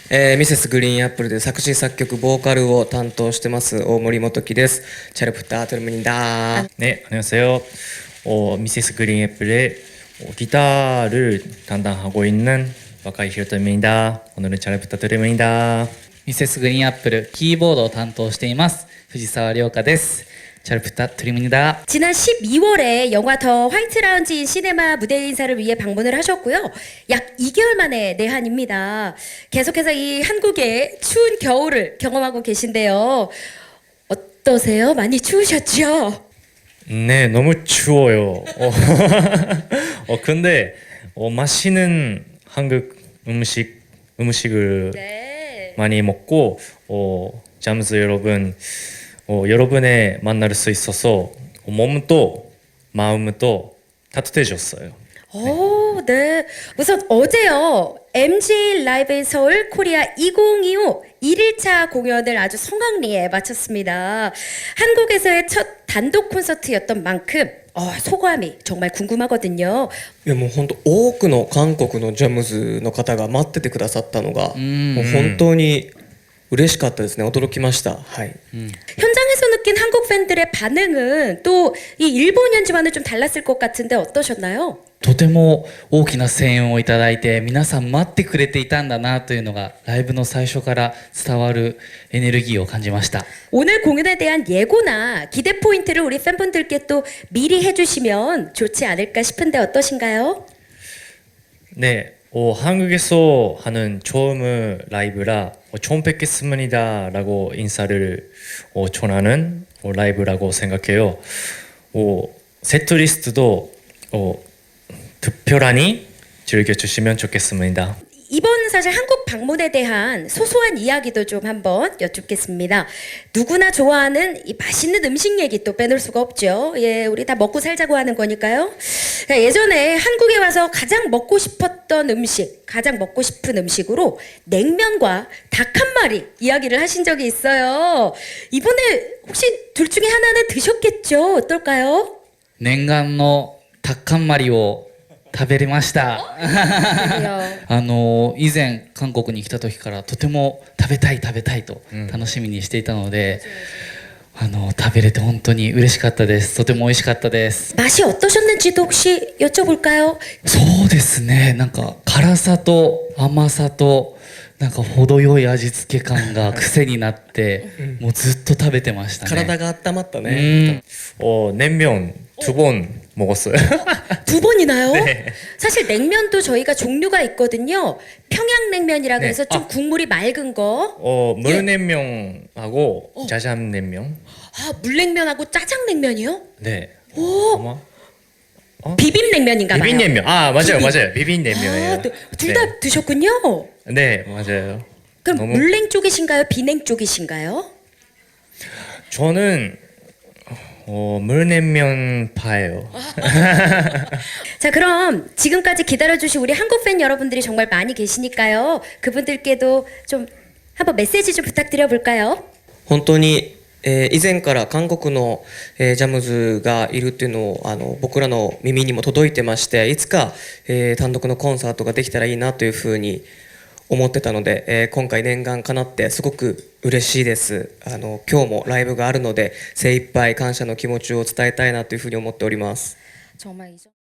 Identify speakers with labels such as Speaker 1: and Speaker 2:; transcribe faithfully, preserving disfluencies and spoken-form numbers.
Speaker 1: えー、ミセスグリーンアップルで作詞作曲ボーカルを担当してます大森元樹です。チャルプタートルムニダー。
Speaker 2: 네, 안녕하세요. 어, 미세스 그린 애플의 어, 기타를 담당하고 있는 와카이 히로토입니다. 오늘은 잘 부탁드립니다.
Speaker 3: ミセスグリーンアップルキーボードを担当しています藤沢涼香です。잘 부탁드립니다.
Speaker 4: 지난 십이월에 영화 더 화이트 라운지 시네마 무대 인사를 위해 방문을 하셨고요. 약 이 개월 만에 내한입니다. 계속해서 이 한국의 추운 겨울을 경험하고 계신데요. 어떠세요? 많이 추우셨죠?
Speaker 2: 네, 너무 추워요. 어, 어 근데 어, 맛있는 한국 음식 음식을
Speaker 4: 네.
Speaker 2: 많이 먹고 어, 잠스 여러분 어, 여러분의 만날 수 있어서 어, 몸도 마음도 따뜻해졌어요.
Speaker 4: 오, 네. 우선 어제요. 엠지 라이브 인 서울 코리아 이천이십오 일 일차 공연을 아주 성황리에 마쳤습니다. 한국에서의 첫 단독 콘서트였던 만큼 어, 소감이 정말 궁금하거든요.
Speaker 1: いやもう本当多くの韓国のジャムズの方が待っててくださったのがもう本当に嬉しかったですね。驚きました。はい。
Speaker 4: 현장에서 느낀 한국 팬들의 반응은 또 이 일본 연주와는 좀 달랐을 것 같은데 어떠셨나요?
Speaker 3: とても大きな声援をいただいて皆さん待ってくれていたんだなというのがライブの最初から伝わるエネルギーを感じました。
Speaker 4: 오늘 공연에 대한 예고나 기대 포인트를 우리 팬분들께 또 미리 해주시면 좋지 않을까 싶은데 어떠신가요?
Speaker 2: 네, 어, 한국에서 하는 처음 라이브라 어, 처음 뵙겠습니다라고 인사를 어, 전하는 어, 라이브라고 생각해요. 어, 세트리스트도 어, 특별하니 즐겨주시면 좋겠습니다.
Speaker 4: 이번 사실 한국 방문에 대한 소소한 이야기도 좀 한번 여쭙겠습니다. 누구나 좋아하는 이 맛있는 음식 얘기 또 빼놓을 수가 없죠. 예, 우리 다 먹고 살자고 하는 거니까요. 예전에 한국에 와서 가장 먹고 싶었던 음식, 가장 먹고 싶은 음식으로 냉면과 닭 한 마리 이야기를 하신 적이 있어요. 이번에 혹시 둘 중에 하나는 드셨겠죠? 어떨까요?
Speaker 3: 念願のタッカンマリを食べれました。あの以前韓国に来た時からとても食べたい食べたいと楽しみにしていたので、あの食べれて本当に嬉しかったです。とても美味しかったです。
Speaker 4: 맛이 어떠셨는지도 혹시 여쭤볼까요?
Speaker 3: そうですね。なんか辛さと甘さとなんか程よい味付け感が癖になってもうずっと食べてましたね。
Speaker 1: 体が温まったね。
Speaker 2: 어, 냉면 두 번 먹었어요.
Speaker 4: 두 번이나요?
Speaker 2: 네.
Speaker 4: 사실 냉면도 저희가 종류가 있거든요. 평양냉면이라
Speaker 2: 네.
Speaker 4: 그래서 좀
Speaker 2: 아.
Speaker 4: 국물이 맑은 거.
Speaker 2: 어, 물냉면하고 짜장냉면.
Speaker 4: 아, 물냉면하고 짜장냉면이요?
Speaker 2: 네.
Speaker 4: 오,
Speaker 2: 아마
Speaker 4: 비빔냉면인가 봐요.
Speaker 2: 비빔냉면. 아, 맞아요,
Speaker 4: 비빔.
Speaker 2: 맞아요. 비빔냉면이에요.
Speaker 4: 아, 둘 다
Speaker 2: 네.
Speaker 4: 드셨군요.
Speaker 2: 네, 맞아요.
Speaker 4: 그럼
Speaker 2: 너무-
Speaker 4: 물냉 쪽이신가요? 비냉 쪽이신가요?
Speaker 2: 저는 어, 물냉면 파예요.
Speaker 4: 자, 그럼 지금까지 기다려주신 우리 한국 팬 여러분들이 정말 많이 계시니까요. 그분들께도 좀 한번 메시지 좀 부탁드려 볼까요?
Speaker 1: 本当に、えー以前から韓国の、えージャムズがいるっていうのをあの僕らの耳にも届いてまして、いつか、えー単独のコンサートができたらいいなというふうに思ってたので、えー今回念願かなってすごく嬉しいです。あの今日もライブがあるので精一杯感謝の気持ちを伝えたいなというふうに思っております。
Speaker 4: 정말 이